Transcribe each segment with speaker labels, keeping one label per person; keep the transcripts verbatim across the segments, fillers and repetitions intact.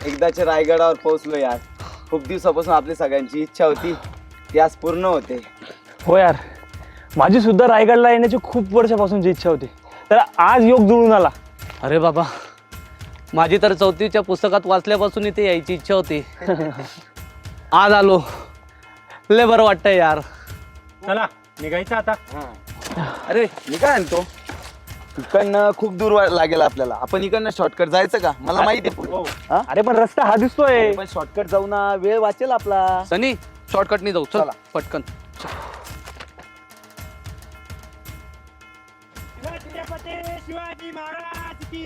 Speaker 1: एकदाच्या रायगडावर पोहोचलो यार. खूप दिवसापासून आपली सगळ्यांची इच्छा होती ती आज पूर्ण होते.
Speaker 2: हो यार, माझी सुद्धा रायगडला येण्याची खूप वर्षापासूनची इच्छा होती, तर आज योग जुळून आला.
Speaker 3: अरे बाबा, माझी तर चौथीच्या पुस्तकात वाचल्यापासून इथे यायची इच्छा होती. आज आलो, लय बरं वाटतंय यार.
Speaker 2: चला निघायचं आता.
Speaker 1: अरे मी काय आणतो, इकडनं खूप दूर वा- लागेल आपल्याला. आपण इकडनं शॉर्टकट जायचं का? मला माहिती आहे पुढे. हा?
Speaker 2: अरे पण रस्ता हा दिसतोय.
Speaker 1: पण शॉर्टकट जाऊ ना, वेळ वाचेल आपला.
Speaker 3: सनी, शॉर्टकटनी जाऊ. चल
Speaker 1: चला.
Speaker 3: पटकन.
Speaker 2: शिवाजी महाराज की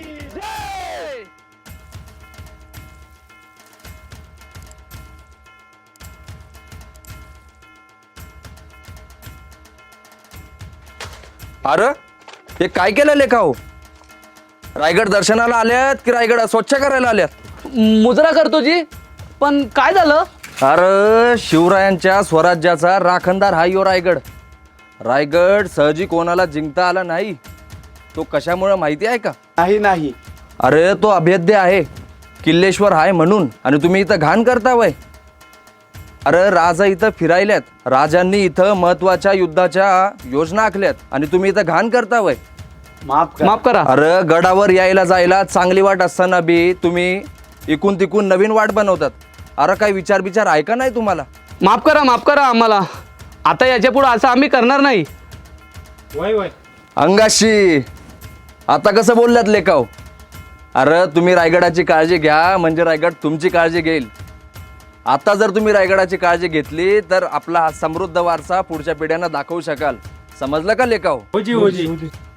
Speaker 4: अरे हे काय केलं लेखा हो? रायगड दर्शनाला आल्यात की रायगड स्वच्छ करायला आल्यात?
Speaker 3: मुजरा करतो जी, पण काय झालं?
Speaker 4: अरे शिवरायांच्या स्वराज्याचा राखणदार हा यो रायगड. रायगड सहजी कोणाला जिंकता आला नाही. तो कशामुळे माहिती आहे का?
Speaker 1: नाही नाही
Speaker 4: अरे तो अभेद्य आहे, किल्लेश्वर आहे म्हणून. आणि तुम्ही इथं घाण करता वय. अरे राजा इथं फिरायल्यात, राजांनी इथं महत्वाच्या युद्धाच्या योजना आखल्यात आणि तुम्ही इथं घाण करता वय.
Speaker 1: माफ कर.
Speaker 3: माफ करा.
Speaker 4: अरे गडावर यायला जायला चांगली वाट असताना बी तुम्ही इकून तिकून नवीन वाट बनवतात. अरे काय विचार विचार ऐका नाही तुम्हाला?
Speaker 3: माफ करा, माफ करा आम्हाला. आता याच्या पुढे असं आम्ही करणार नाही.
Speaker 2: वय वय
Speaker 4: अंगाशी आता कसं बोललात लेकाव? अरे तुम्ही रायगडाची काळजी घ्या म्हणजे रायगड तुमची काळजी घेईल. आता जर तुम्ही रायगडाची काळजी घेतली तर आपला हा समृद्ध वारसा पुढच्या पिढ्यांना दाखवू शकाल. समजलं का लेकाव?
Speaker 2: होजी होजी